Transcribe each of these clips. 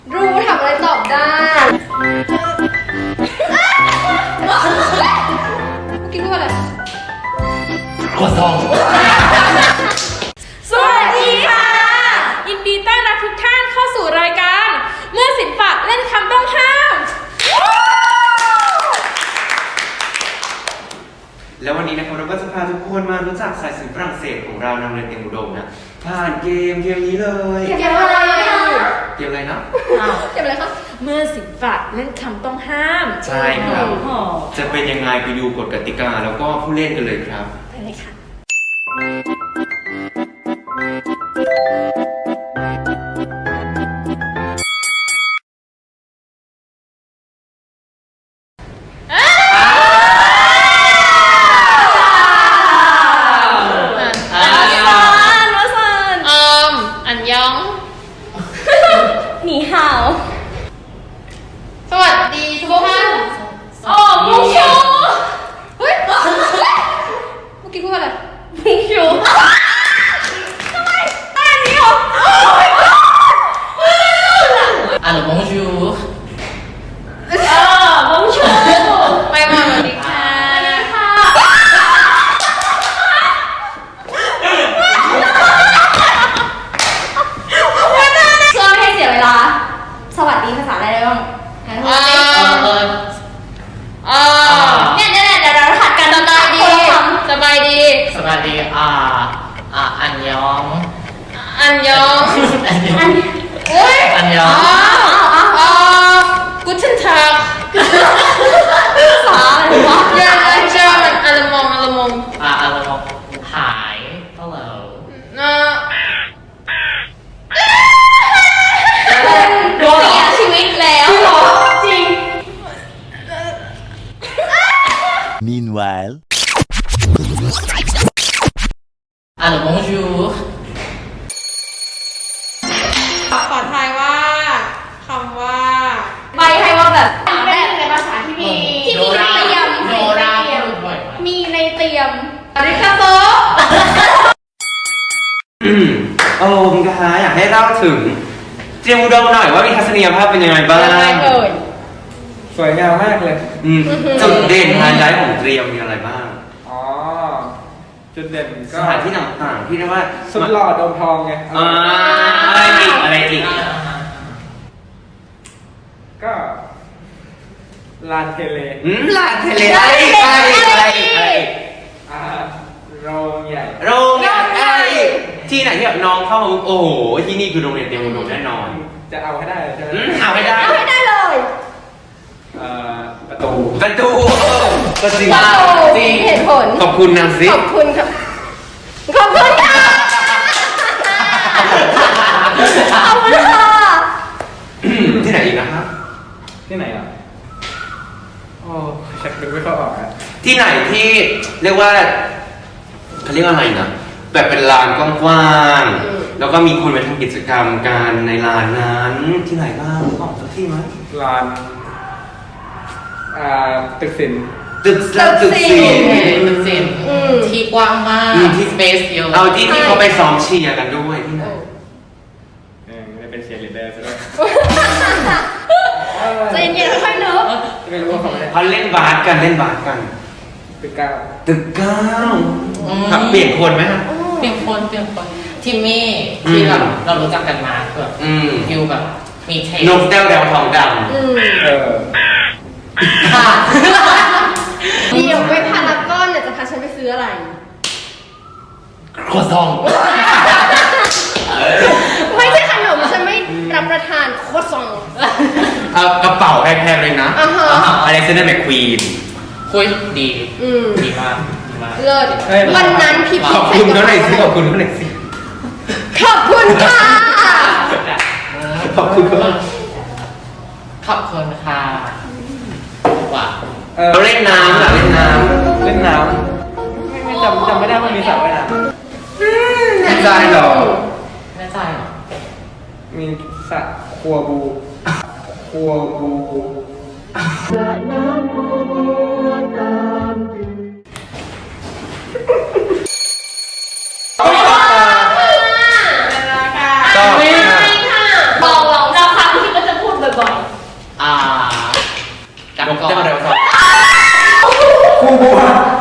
รู้ถามอะไรตอบได้เมื่อกี้พูดอะไรขวดทองสวัสดีค่ะยินดีต้อนรับทุกท่านเข้าสู่รายการเมื่อศิลปะเล่นคำต้องห้ามแล้ววันนี้นะครับเราก็จะพาทุกคนมารู้จักสายศิลป์ฝรั่งเศสของเรานำเรียนเตรียมอุดมนะผ่านเกมนี้เลยเกมอะไรเกมอะไรนะเกมอะไรคะเมื่อศิลปะเล่นคำต้องห้ามใช่ครับจะเป็นยังไงไปดูกฎกติกาแล้วก็ผู้เล่นกันเลยครับไปเลยค่ะหนีห่าวสวัสดีทุกท่านอ๋อมุงชูเฮ้ยเมื่อกี้พูดอะไรมุงชูทำไมอันนี้เหรอ Alors bonjour มุงชูไปมาสวัสดีค่ะสวัสดีภาษาอะไรได้บ้างเนี่ยเดี๋ยวเราหัดกันสบายดีสบายดีอันยองเฮ้ยอันยองกูเชนทักภาษาอะไรวะเจอมันอัลมองอะไรมองหาย hello เสียชีวิตแล้วจริง Meanwhile Alors bonjour ขอทายว่าคำว่าใบให้ว่าแบบในภาษาที่มีในเตรียมมีในเตรียมริคาโตโอ้มกะอยากให้เล่าถึงเตรียมอุดมหน่อยว่ามีทัศนียภาพเป็นยังไงบ้างสวยงามมากเลยจุดเด่นไฮไลท์ของเตรียมมีอะไรบ้างอ๋อจุดเด่นก็สถานที่ต่างๆที่เรียกว่าสุดหล่อโดมทองไงอะไรอีกก็ลานเทเลลานเทเลอะไรโรงใหญ่ที่ไหนที่แบบน้องเข้ามาโอ้โหที่นี่คือโรงเรียนเตรียมอุดมแน่นอนจะเอาให้ได้ใช่ไหมเอาให้ได้เลยประตูก็จริงเหตุผลขอบคุณนะซิขอบคุณครับขอบคุณค่ะที่ไหนอีกนะครับที่ไหนอ่ะโอ้ชักดูไม่เข้าออกอ่ะที่ไหนที่เรียกว่าเขาเรียกว่าอะไรนะแบบเป็นลานกว้างๆแล้วก็มีคนไปทำกิจกรรมกันในลานนั้นที่ไหนบ้างบอกสักที่ไหมลานตึกศิลป์ตึกศิลป์ที่กว้างมากที่สเปซเยอะเอาที่เขาไปซ้อมเชียร์กันด้วยที่ไหนไม่ได้เป็นเชียร์ลีดเดอร์ซะด้วยใจเย็นๆค่อยๆเนอะไม่รู้ว่าเขาเล่นบาสกันตึกเก้าครับเปลี่ยนคนไหมครับเปลี่ยนคนทิมมี่ที่แบบเรารู้จักกันมาแบบฟิวแบบมีเทนกแต้วทองดำค่ะเดี๋ยวไปพารากอนเนี่ยจะพาฉันไปซื้ออะไรขวดทองไม่ใช่ขนมฉันไม่รับประทานโคซองกระเป๋าแพงๆเลยนะอเล็กซานเดอร์แมคควีนคุยดีมากเลิศวันนั้นพี่ขอบคุณเขาหน่อยสิขอบคุณค่ะขอบคุณค่ะว่าเราเล่นน้ำไม่จำไม่ได้ว่ามีสระว่ายน้ำแน่ใจหรอมีสระครัวบูบอกเราครั้งที่ก็จะนกแก้วเร็วสองคู่บัว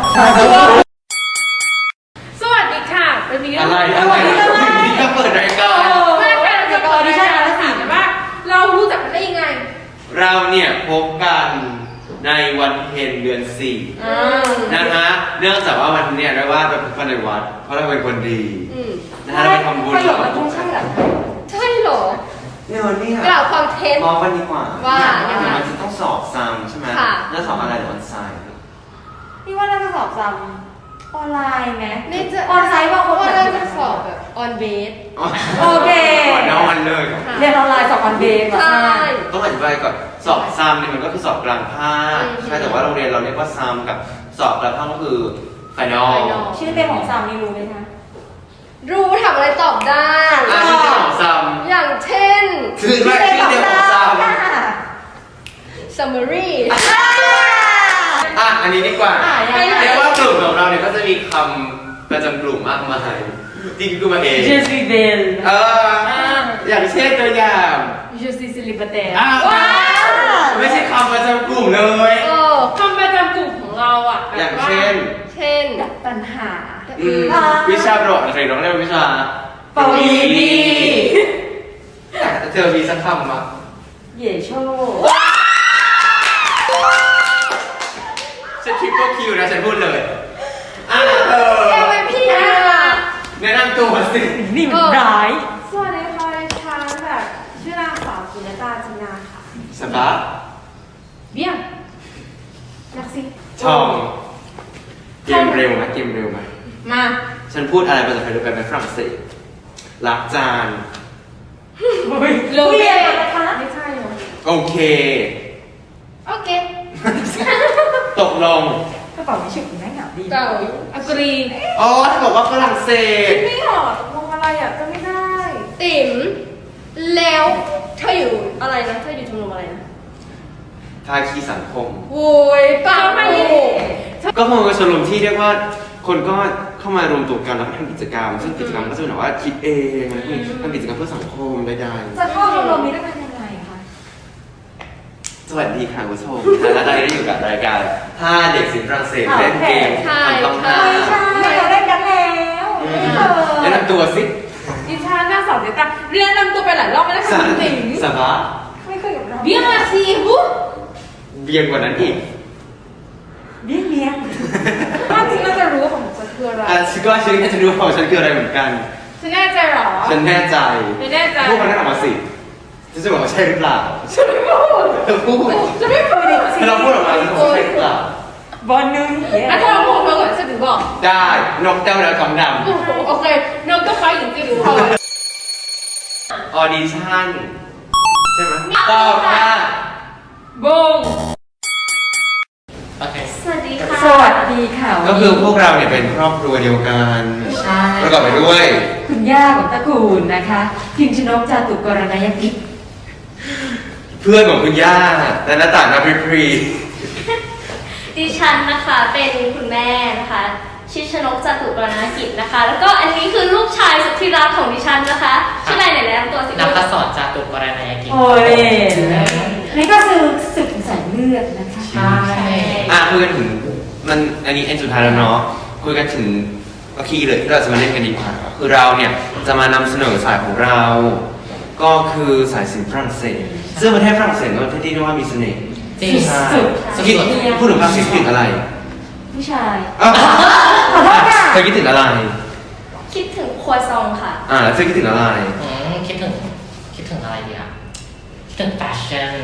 สวัสดีค่ะเป็นนี้อะไรนี่ก็เปิดรายการเมื่อการจะก่อนดิฉันจะถามว่าเรารู้จักกันได้ยังไงเราเนี่ยพบกันในวันเพ็ญเดือน4นะฮะเนื่องจากว่าวันเนี่ยเราว่าเราเป็นคนในวัดเพราะเราเป็นคนดีนะฮะเราไปทำบุญประโยคมันใช่เหรอใช่เหรอเนี่ยวันนี้กล่าวความเท็จมองกันดีกว่าว่ายังไงมันจะต้องสอบซ้ำใช่ไหมค่ะแล้วสอบอะไรหรือออนไซน์พี่ว่าน่าจะสอบซ้ำออนไลน์ไหมนี่จะออนไลน์บางคนว่าแบบเราจะสอบแบบออนเบสโอเคก่อนนอนเลยเรียนออนไลน์สอบออนเบสเหรอใช่ต้องอธิบายก่อนสอบซ้ำเนี่ยมันก็คือสอบกลางภาคใช่แต่ว่าโรงเรียนเราเรียกว่าซ้ำกับสอบกลางภาคก็คือไฟนอล final ชื่อเต็มของซ้ำนี่รู้ไหมคะรู้ทำอะไรตอบได้ชื่อเดียวของซ้อย่างเช่นำชื่อว่าชื่อเดียวของซ้ำ summary อันนี้ดีกว่ายังไงเรียกว่ากลุ่มของเราเนี่ยก็จะมีคำประจำกลุ่มมากมายที่คือมาเองเจสซี่เบลอย่างเช่นตัวอย่างจูซี่ซิลิปเตไม่ใช่คำประจำกลุ่มเลยคำประจำกลุ่มของเราอ่ะอย่างเช่นเช่นปัญหาวิชาประวัติอะไรน้องเรียกว่าวิชาปวีณีเธอมีสักคำมั้ยเย่โชฉันทริปเปิลคิวนะฉันพูดเลย MVP อ่ะแนะนำตัวสินี่มันร้ายสวัสดีค่ะดิฉันแบบชื่อนางสาวกินตาจินาค่ะสบายเบี้ยนักสิชองเกมเร็วไหมเกมเร็วไหมมาฉันพูดอะไรภาษาไทยด้วยกันเป็นฝรั่งเศสล้างจานโลเบนะคะไม่ใช่เหรอโอเคโอเคตกลงกระเป๋านี้ชื่อคุณแม่เหงาดีเก่าอกรีอ๋อถ้าบอกว่าฝรั่งเศสไม่หรอตกลงอะไรอ่ะก็ไม่ได้ ติ๋มแล้วเธออยู่อะไรนะเธออยู่ชมรมอะไรนะภาคีสังคมโว้ยป้าไม่ก็คงเป็นชมรมที่เรียกว่าคนก็เข้ามารวมตัวกันแล้วก็ทำกิจกรรม ซึ่งกิจกรรมก็จะเป็นแบบว่าคิดเองอะไรพวกนี้ทำกิจกรรมเพื่อสังคมใดจะเข้าชมรมนี้ได้เป็นยังไงคะๆสวัสดีค่ะคุณผู้ชมและตอนนี้ได้อยู่กับรายการ5เด็กศิลป์ฝรั่งเศสเล่นเกมทำต้องห้าใช่เราเล่นกันแล้วไม่เคยแนะนำตัวสิดิฉันนางสาวเดต้าเรียนนำตัวไปหลายรอบไม่ได้ค่ะคุณติ๋งสบายไม่เคยกับเราเบี้ยมาซีบุเบียงกว่านั้นอีกเบี้ยเบี้ยถ้าจริงน่าจะรู้ว่าของฉันคืออะไรฉันก็ฉันจะรู้ของฉันคืออะไรเหมือนกันฉันแน่ใจเหรอฉันแน่ใจไม่แน่ใจพูดมาได้ออกมาสิฉันจะบอกว่าใช่หรือเปล่าฉันไม่พูดเธอพูดฉันไม่เคยดิเธอลองพูดออกมาแล้วบอกว่าใช่หรือเปล่าบอลนึงเย่อ่ะเธอลองพูดมาก่อนฉันถึงบอกได้นกแก้วแล้วทองดโอเคนกก็ไฟหญิงจะดูพอำออดิชั่นใช่ไหมตอบค่ะบงโอเคสวัสดีค่ะสวัสดีค่ะก็คือพวกเราเนี่ยเป็นครอบครัวเดียวกันใช่ประกอบไปด้วยคุณย่าของตระกูลนะคะพิมชนกจาตุกรณยกิจเพื่อนของคุณย่าและหน้าต่างนับพรีดิฉันนะคะเป็นคุณแม่นะคะชื่อชนกจตุกรณกิจนะคะ แล้วก็อันนี้คือลูกชายสุดที่รักของดิฉันนะคะชื่ออะไรไหนแนะนำตัวสินักสอนจาตุกรณยกิจโอ้ยนี่ก็คือศึกสายเลือดนะคะใช่คุยกันถึงมันอันนี้เอ็นสุดท้ายแล้วเนาะคุยกันถึงก็คีย์เลยที่เราจะมาเล่นกันดีกว่าคือเราเนี่ยจะมานำเสนอสายของเรา ก็คือสายศิลป์ฝรั่งเศสซึ่งประเทศฝรั่งเศสก็เป็นประเทศที่เรียกว่ามีเสน่ห์จริงใช่สุดคิดๆพูดถึงฝรั่งเศสคิดถึงอะไรผู้ชายอ้าวขอโทษค่ะเธอคิดถึงอะไรคิดถึงครัวซองค่ะแล้วเธอคิดถึงอะไรคิดถึงอะไรดีอ่ะคิดถึงแฟชั่น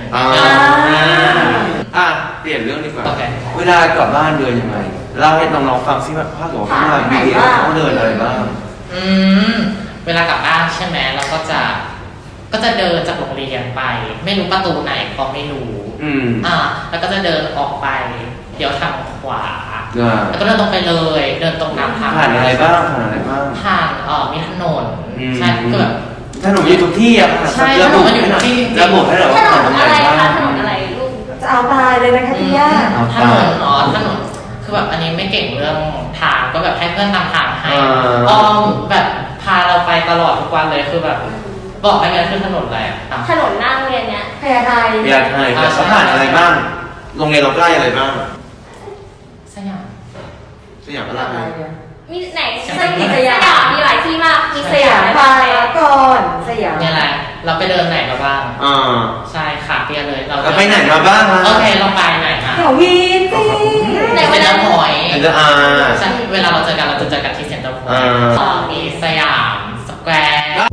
เปลี่ยนเรื่องดีกว่าโอเคเวลากลับบ้านเดินยังไงเล่าให้น้องๆฟังซิว่าภาคหัวข้างในมีเดียเขาเดินอะไรบ้างเวลากลับบ้านใช่ไหมเราก็จะเดินจากโรงเรียนไป ไม่รู้ประตูไหนก็ไม่รู้ แล้วก็จะเดินออกไปเดี๋ยวทางขวา แล้วก็เดินตรงไปเลย เดินตรงน้ำผ่านอะไรบ้างผ่านอะไรบ้างผ่านมีถนนใช่ก็แบบถนนอยู่ทุกที่อะใช่ถนนมันอยู่ทุกที่ระบุให้หน่อยถว่าน ถนนนอะไรบ้างคะถนนอะไรลูกจะเอาตายเลยนะคะพี่ย่าถนนถนนคือแบบอันนี้ไม่เก่งเรื่องทางก็แบบให้เพื่อนนำทางให้แบบพาเราไปตลอดทุกวันเลยคือแบบบอกให้เงินขึ้นถนนอะไรอ่ะถนนหน้าโรงเรียนเนี้ยพยาไทยพยาไทยแต่เขาผ่านอะไรบ้างโรงเรียนเราใกล้อะไรบ้างสยามสยามอะไรมีไหนสยามมีหลายที่มาก มีสยามพารากอนสยามเนี่ยแหละเราไปเดินไหนมาบ้างอ่าใช่ค่ะเปียเลยเราเราไปไหนมาบ้างล่ะโอเคเราไปไหนมาแถววีนสิไหนเซ็นเตอร์พอยต์เซ็นเตอร์อาร์ใช่เวลาเราเจอกันเราจะเจอกันที่เซ็นเตอร์พอยต์มีสยามสแควร์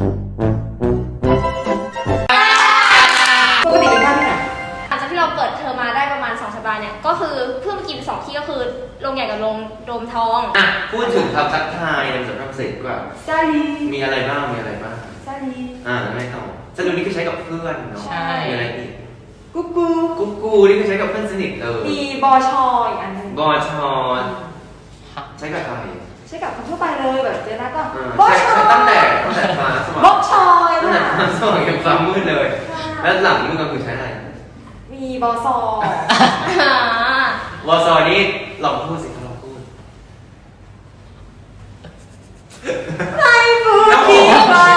ปกติเป็นบ้านที่ไหนหลังจากที่เราเปิดเทอมมาได้ประมาณ2 สัปดาห์เนี่ยก็คือเพิ่งกิน2ที่ก็คือโรงใหญ่กับโรงโดมทองอ่ะพูดถึงคำทักทายในภาษาฝรั่งเศสดีกว่าซาลีมีอะไรบ้างมีอะไรบ้างซาลีแล้วไม่ต่อสนุกนี่คือใช้กับเพื่อนเนาะใช่มีอะไรอีกกุ๊กกูกุ๊กกูนี่คือใช้กับเพื่อนสนิทเลยมีบอชออีกอันหนึงบอชอนใช้กับใครใช้กับคนทั่วไปเลยแบบเจอหน้าก็อ่าบอใช้ชอตั้งแต่ฟ้าสว่างบอชอยตั้งแต่ค่ะฟ้าสว่างยังฟ้ามืดเลย แล้วหลังมืดก็คือใช้อะไรมีบอซอวอซอนี่ลองพูดสิลองพูดไฮฟูครับผมดีบา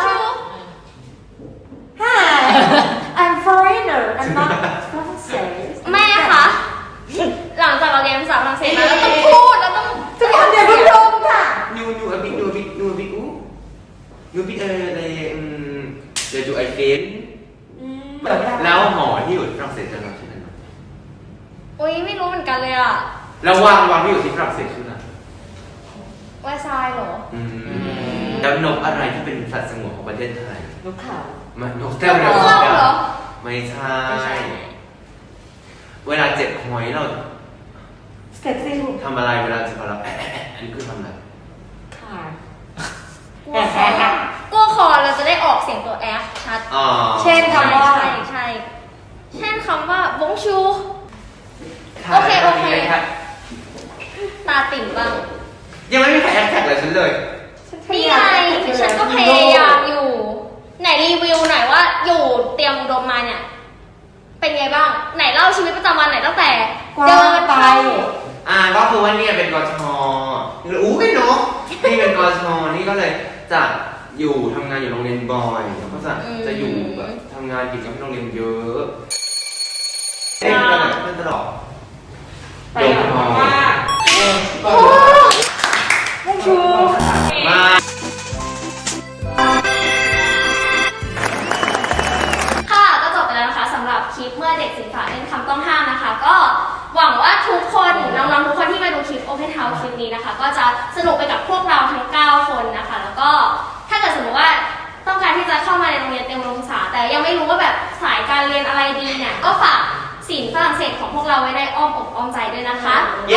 Hi I'm foreigner I'm not Francais แม่คะหลังจากเราเรียนภาษาฝรั่งเศสมาเราต้องพูดเราต้องทุกคนอย่าเพิ่งลงค่ะนูอบินูอบิอู้นูบิเดี๋ยวจูไอเฟนเดี๋ยวไม่ได้แล้วหมอที่อยู่ที่ฝรั่งเศสจะเราชื่ออะไรอุ้ยไม่รู้เหมือนกันเลยอะแล้ววางที่อยู่ที่ฝรั่งเศสชื่ออะไรแวร์ซายเหรอแล้วนกอะไรที่เป็นสัตว์สงวนของประเทศไทยนกเขามันนกเแก้วเรือครื่องเหรอไม่ใช่ไม่ใช่เวลาเจ็บหอยเราสเต็ปซิลทำอะไรเวลาเจ็บหอยเราอันนี้คือทำอะไรค่ะกลัวคอเราจะได้ออกเสียงตัว F ชัดอ๋อเช่นคำว่าใช่เช่นคำว่าบงชูค่ะโอเคค่ะตาติ่มบ้างยังไม่มีใครแอคแท็กเลยฉันเลยนี่ไงฉันก็พยายามอยู่ ไหนรีวิวหน่อยว่าอยู่เตรียมอุดมมาเนี่ย เป็นไงบ้าง ไหนเล่าชีวิตประจำวันไหนตั้งแต่กว้าเดิงนไปเข้าก็คือว่าเนี่ยเป็นกชอู้เป็นนกนี่เป็นกชนี่ก็เลยจะอยู่ทำงานอยู่โรงเรียนบ่อยแล้วก็จะอยู่แบบทำงานกิจกรรมที่โรงเรียนเยอะเล่นกันเล่นตลอดไปแบบว่าโอ้บงชูมาค่ะก็จบไปแล้วนะคะสำหรับคลิปเมื่อเด็กศิลปะเล่นคำต้องห้ามนะคะ ก็หวังว่าทุกคนน้องๆทุกคนที่มาดูคลิป Open House คลิปนี้นะคะ ก็จะสนุกไปกับพวกเราทั้ง 9 คนนะคะ แล้วก็ถ้าเกิดสมมติว่าต้องการที่จะเข้ามาในโรงเรียนเตรียมอุดมศึกษาแต่ยังไม่รู้ว่าแบบสายการเรียนอะไรดีเนี่ยก็ฝากศิลป์ฝรั่งเศสของพวกเราไว้ในอ้อมอกอ้อมใจด้วยนะคะเย้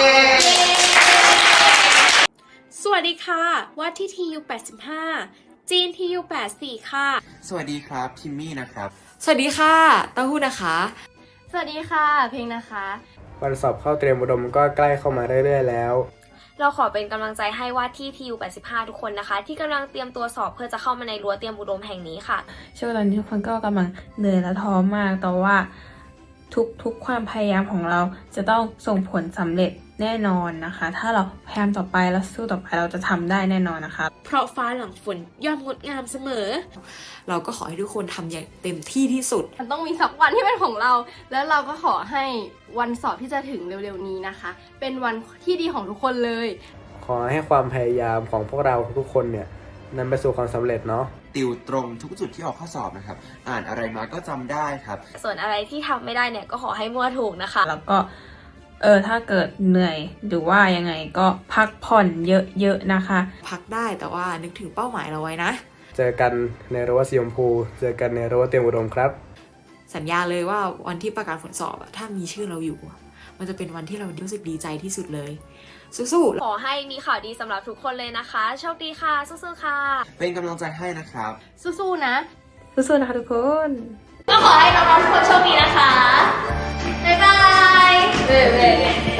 สวัสดีค่ะว่าที่ TU 85จีน TU 84ค่ะสวัสดีครับพิมมี่นะครับสวัสดีค่ะเต้าหู้นะคะสวัสดีค่ะเพลงนะคะวันสอบเข้าเตรียมอุดมก็ใกล้เข้ามาเรื่อยๆแล้วเราขอเป็นกำลังใจให้ว่าที่ TU 85ทุกคนนะคะ ที่กำลังเตรียมตัวสอบเพื่อจะเข้ามาในรั้วเตรียมอุดมแห่งนี้ค่ะช่วงตอนนี้ทุกคนก็กำลังเหนื่อยและท้อมาก แต่ว่าทุกความพยายามของเราจะต้องส่งผลสำเร็จแน่นอนนะคะ ถ้าเราพยายามต่อไปและสู้ต่อไปเราจะทำได้แน่นอนนะคะเพราะฟ้าหลังฝนย่อมงดงามเสมอเราก็ขอให้ทุกคนทำอย่างเต็มที่ที่สุดมันต้องมีสักวันที่เป็นของเรา แล้วเราก็ขอให้วันสอบที่จะถึงเร็วๆนี้นะคะ เป็นวันที่ดีของทุกคนเลยขอให้ความพยายามของพวกเราทุกคนเนี่ยนำไปสู่ความสำเร็จเนาะติวตรงทุกจุดที่ออกข้อสอบนะครับ อ่านอะไรมาก็จำได้ครับส่วนอะไรที่ทำไม่ได้เนี่ยก็ขอให้มั่วถูกนะคะแล้วก็ถ้าเกิดเหนื่อยหรือว่ายังไงก็พักผ่อนเยอะๆนะคะพักได้แต่ว่านึกถึงเป้าหมายเราไว้นะเจอกันในรั้วสีชมพูเจอกันในรั้วเตรียมอุดมครับสัญญาเลยว่าวันที่ประกาศผลสอบอะถ้ามีชื่อเราอยู่อะมันจะเป็นวันที่เรารู้สึกดีใจที่สุดเลย สู้ๆขอให้มีข่าวดีสำหรับทุกคนเลยนะคะ โชคดีค่ะ สู้ๆค่ะเป็นกำลังใจให้นะครับสู้ๆนะสู้ๆนะคะทุกคนก็ขอให้น้องๆทุกคนโชคดีนะคะ บ๊ายบาย